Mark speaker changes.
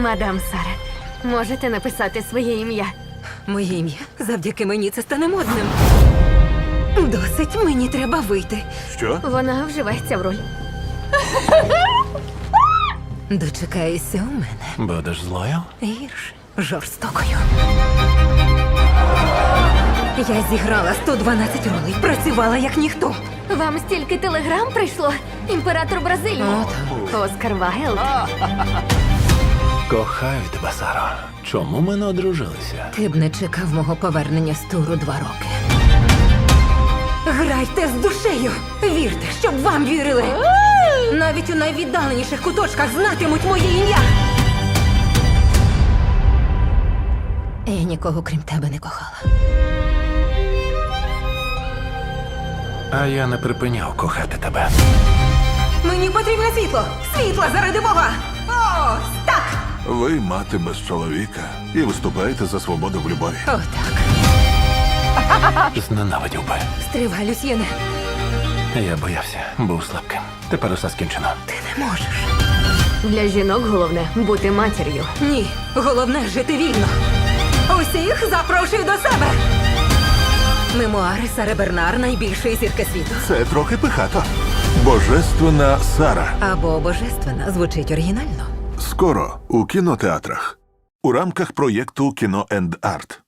Speaker 1: Мадам Сара, можете написати своє ім'я?
Speaker 2: Моє ім'я завдяки мені це стане модним. Досить, мені треба вийти.
Speaker 3: Що?
Speaker 1: Вона вживається в роль.
Speaker 2: Дочекаєшся у мене.
Speaker 3: Будеш злою?
Speaker 2: Гірше, жорстокою. Я зіграла 112 ролей, працювала як ніхто.
Speaker 1: Вам стільки телеграм прийшло? Імператор Бразилії. Оскар Вайлд.
Speaker 3: Кохаю тебе, Саро. Чому ми не одружилися?
Speaker 2: Ти б не чекав мого повернення з туру 2 роки. Грайте з душею! Вірте, щоб вам вірили! Навіть у найвіддаленіших куточках знатимуть моє ім'я! Я нікого крім тебе не кохала.
Speaker 3: А я не припиняв кохати тебе.
Speaker 2: Мені потрібне світло! Світло заради Бога! Ось так!
Speaker 4: Ви мати без чоловіка і виступаєте за свободу в любові.
Speaker 2: Отак.
Speaker 3: Зненавидів би.
Speaker 2: Стривай, Люсьєне.
Speaker 3: Я боявся, був слабким. Тепер усе скінчено.
Speaker 2: Ти не можеш.
Speaker 1: Для жінок головне бути матір'ю.
Speaker 2: Ні, головне жити вільно. Усіх запрошую до себе. Мемуари Сари Бернар, найбільшої зірки світу.
Speaker 4: Це трохи пихато. Божественна Сара.
Speaker 2: Або божественна звучить оригінально.
Speaker 4: Скоро у кінотеатрах. У рамках проєкту «Кіно енд Арт».